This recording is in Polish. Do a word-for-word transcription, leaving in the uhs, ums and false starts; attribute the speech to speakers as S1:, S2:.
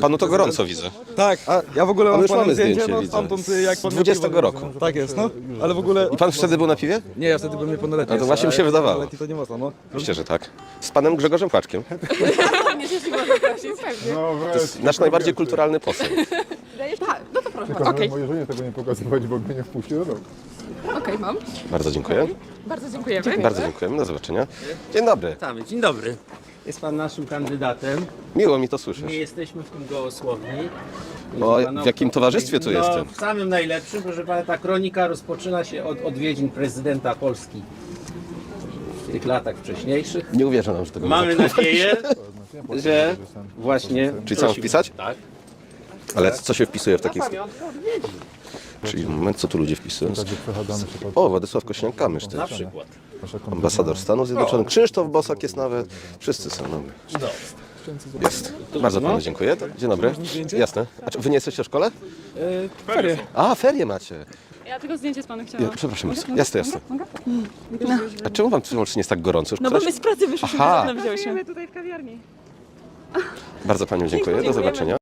S1: Panu to gorąco widzę.
S2: Tak, a ja w ogóle
S1: Ale
S2: mam
S1: już
S2: panem
S1: mamy
S2: zdjęcie,
S1: zdjęcie,
S2: no
S1: widzę.
S2: stamtąd jak pan
S1: Z dwudziestego
S2: miał piwo,
S1: roku.
S2: Tak jest, no. Ale w ogóle...
S1: I pan wtedy był na piwie?
S2: Nie, ja wtedy byłem niepełnoletni.
S1: A to właśnie mi się
S2: ale
S1: wydawało.
S2: niepełnoletni to nie można, no.
S1: Myślę, że tak. Z panem Grzegorzem Płaczkiem.
S3: No
S1: To jest nasz najbardziej kulturalny poseł.
S4: No to proszę.
S3: Tylko
S4: Okej,
S3: mojej żonie tego nie pokazywać, bo mnie nie wpuści do domu.
S4: okej, mam.
S1: Bardzo dziękuję.
S4: Bardzo dziękujemy.
S1: Bardzo dziękujemy. Do zobaczenia. Dzień dobry.
S5: Witamy, dzień dobry. Jest pan naszym kandydatem.
S1: Miło mi to słyszeć.
S5: Nie jesteśmy w tym gołosłowni.
S1: O, w jakim towarzystwie tu
S5: no,
S1: jestem?
S5: W samym najlepszym, proszę pana, ta kronika rozpoczyna się od odwiedzin prezydenta Polski w tych latach wcześniejszych.
S1: Nie uwierzę nam, że tego
S5: Mamy
S1: nie zapomnę.
S5: nadzieję, że właśnie...
S1: Czyli co mam wpisać?
S5: Tak.
S1: Ale co się wpisuje w takich...
S5: Pamiątkę odwiedzin.
S1: Czyli moment, co tu ludzie wpisują?
S3: Także przechadzamy się pod
S1: O, Władysław Kośniak-Kamysz
S5: Na
S1: też.
S5: przykład.
S3: nasze
S1: Ambasador Stanów Zjednoczonych. Krzysztof Bosak jest nawet. Wszyscy są nowi.
S5: No.
S1: Jest. Bardzo panu dziękuję. Dzień dobry. Jasne. A czy wy nie jesteście w szkole?
S2: Ferie.
S1: A, ferie macie.
S6: Ja tylko zdjęcie z panem
S1: Ja,
S6: chciałam.
S1: przepraszam bardzo. Jasne, jasne. A czemu wam to nie jest tak gorąco? Już
S6: No bo
S1: ktoś-
S6: my z pracy wyszliśmy,
S1: Aha.
S6: na wzięłyśmy.
S4: tutaj w kawiarni.
S1: Bardzo panią dziękuję. Do zobaczenia.